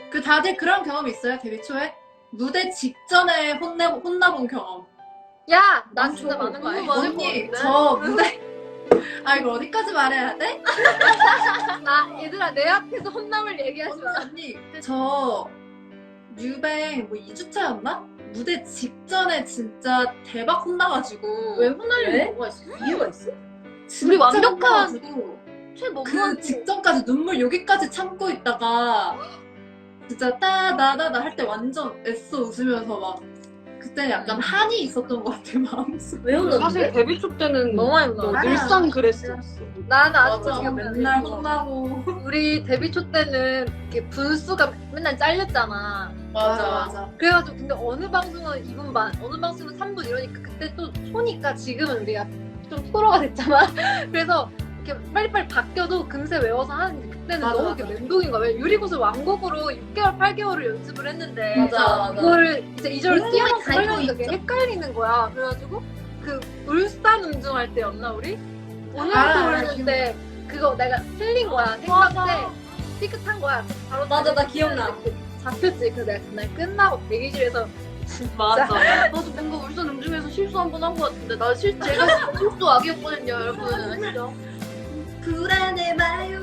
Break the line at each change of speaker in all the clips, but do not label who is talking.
그 다들 그런 경험 있어요? 데뷔 초에? 무대 직전에 혼나본 경험.
야! 난 진짜 많은 거 알지?
언니 저 무대 아 이거 어디까지 말해야 돼?
얘들아 내 앞에서 혼남을 얘기하지 마.
언니 저 뮤뱅 뭐 2주차였나? 무대 직전에 진짜 대박 혼나가지고
왜 혼날
왜?
뭐가 있어?
이유가 있어?
우리 완벽한
혼나가지고
최너무한
그 직전까지 눈물 여기까지 참고 있다가 진짜 따다다다 할 때 완전 애써 웃으면서 막 그때 약간 한이 있었던 것 같아 마음속에.
왜 혼났는데?
사실 데뷔 초 때는
너무 많이 혼나.
늘상 그랬어.
나는 아직도
맞아
지금
맨날 혼나고.
우리 데뷔 초 때는 이렇게 분수가 맨날 잘렸잖아.
맞아.
그래가지고 근데 어느 방송은 2분 반, 어느 방송은 3분 이러니까 그때 또 초니까 지금은 우리가 좀 프로가 됐잖아. 그래서 이렇게 빨리빨리 바뀌어도 금세 외워서 하는데 그때는
맞아,
너무
맞아.
이렇게 멘붕인 거야. 왜 유리구슬 왕곡으로 6개월, 8개월을 연습을 했는데
맞아.
그거를 이제 2절을
운명이
뛰어넘고
다
하려니까
있죠.
그게 헷갈리는 거야. 그래가지고 그 울산 운중할 때였나 우리? 오늘부터
알아,
부르는 때 그거 내가 틀린 거야. 생각 때 삐끗한 거야. 바로
맞아, 나 기억나.
잡혔지. 그래서 내가 그날 끝나고 대기실에서
맞아.
나도 뭔가 울산 음중에서 실수 한 번 한 것 같은데 나 제가 실수 악이었거든요 여러분 아시죠?
불안해 마요.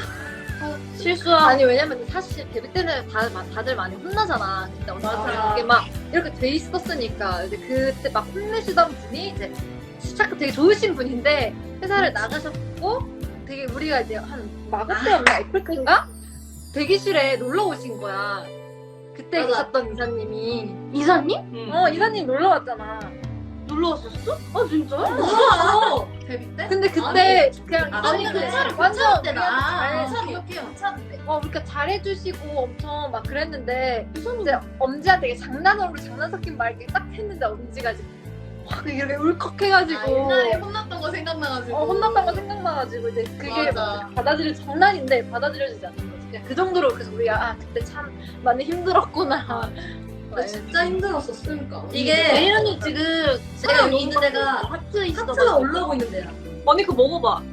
실수한
아니 왜냐면 사실 데뷔 때는 다들 많이 혼나잖아. 그때
맞아.
이게 막 이렇게 돼 있었으니까 이제 그때 막 혼내시던 분이 이제 시작 되게 좋으신 분인데 회사를 나가셨고 되게 우리가 이제 한 마고 때였나 애플 때인가 대기실에 놀러 오신 거야. 그때
맞아.
계셨던 이사님이
이사님?
이사님 놀러 왔잖아.
놀러 왔었어? 아 진짜요?
몰라. 데뷔 때?
근데 그때 그냥
아니,
이사님이
괜찮을
완전
때나.
우리한테
기억해요.
그러니까 잘해주시고 엄청 막 그랬는데 이제 엄지한테 되게 장난으로 장난 섞인 말 이렇게 딱 했는데 엄지가 이제 확 이렇게 울컥해가지고
옛날에 혼났던 거 생각나가지고.
혼났던 거 생각나가지고 이제 그게
맞아.
받아들일 장난인데 받아들여지지 않는 거지. 그냥 그 정도로 그래서 우리가 그때 참 많이 힘들었구나.
나 진짜 힘들었었으니까
이게
애인 언니 지금 제가 여기 있는 데가 하트 있어 하트가 올라오고 있는 데야
언니 그거 먹어봐.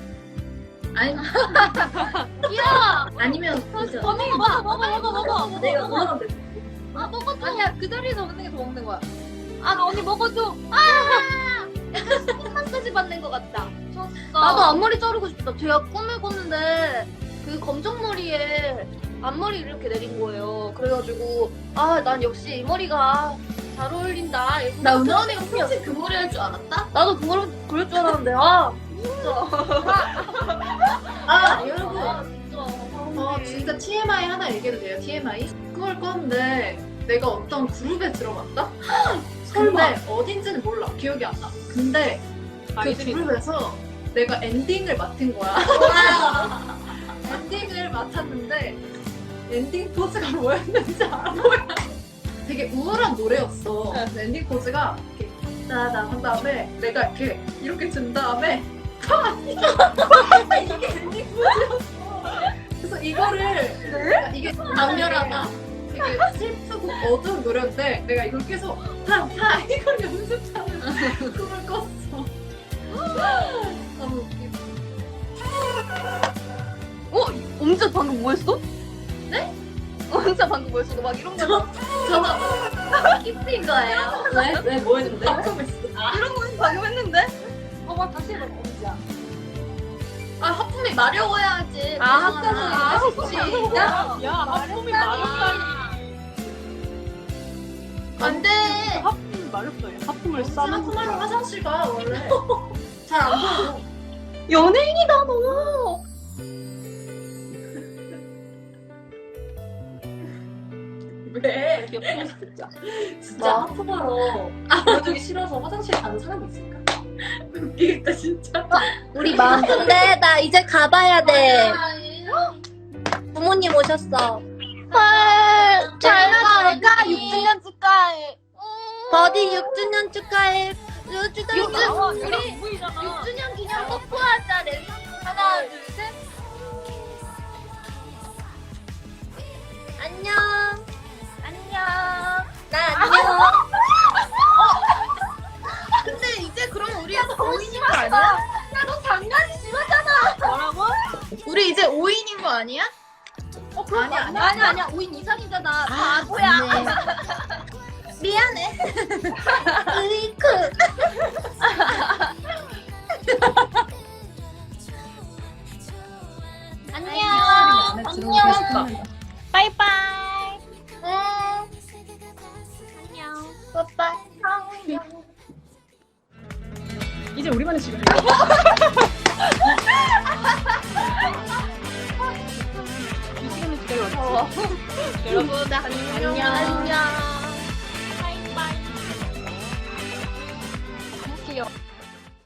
아니 아니면 진짜
언니 먹어.
내가 올라가면 돼
먹어줘. 아니야 그 자리에서 먹는 게 더 먹는 거야.
언니 먹어줘.
마사지 받는 것 같다
나도
앞머리 자르고 싶다 제가 꿈을 꿨는데 그 검정머리에 앞머리 이렇게 내린 거예요 그래가지고 아 난 역시 이 머리가 잘 어울린다
나 은하 언니가 평소에 그 머리 할 줄 알았다?
나도 그럴 줄 알았는데 진짜
여러분. 진짜 TMI 하나 얘기해도 돼요? TMI? 꿈을 꿨는데 내가 어떤 그룹에 들어갔다? 근데 어딘지는 몰라. 기억이 안 나. 근데 그
아이들이
그룹에서 내가 엔딩을 맡은 거야. 엔딩을 맡았는데 엔딩 포즈가 뭐였는지 알아? 뭐야? 되게 우울한 노래였어. 근데 엔딩 포즈가 이렇게 따다 한 다음에 내가 이렇게 든 다음에 이게 엔딩 포즈였어. 그래서 이거를 이게 강렬하다. 되게 슬프고 어두운 노래인데 내가 이걸 계속 파 이걸 연습하는 꿈을 꿨어. 너무 웃기다.
엄지야 방금 뭐 했어? 네? 엄지야 방금 뭐 했어? 너 막 이런 거 저거 기프인 거예요 왜? 뭐 했는데?
이런 거
방금 했는데?
다시 해봐 엄지야.
하품이 마려워야지.
하품이
야 하품이 마렵다니.
안 돼.
하품이 마렵다. 하품을 싸는
하품하러 화장실 가 원래. 잘 안 보여.
연예인이다 너
왜?
진짜.
진짜 하품하러 보여주기 싫어서 화장실 가는 사람이 있을까?
웃기겠다 진짜.
우리 마음 근데 나 이제 가봐야 돼 부모님 오셨어 헐 잘가 6주년 축하해 버디 6주년 축하해 6주년 우리 6주년 기념 뽀뽀하자 랜선 하나 둘셋 안녕 안녕 나 안녕
근데 이제 그럼 우리 5인인 거 아니야?
야너 장난이 심하잖아
뭐라고?
우리 이제 5인인 거 아니야?
아니야 5인 이상이잖아. 바보야. 미안해. 으이크. 안녕. 안녕.
빠이빠이.
안녕. 빠빠이. 안녕.
이제 우리만의 시간. 이 시간을 기다려.
여러분 안녕. 안녕.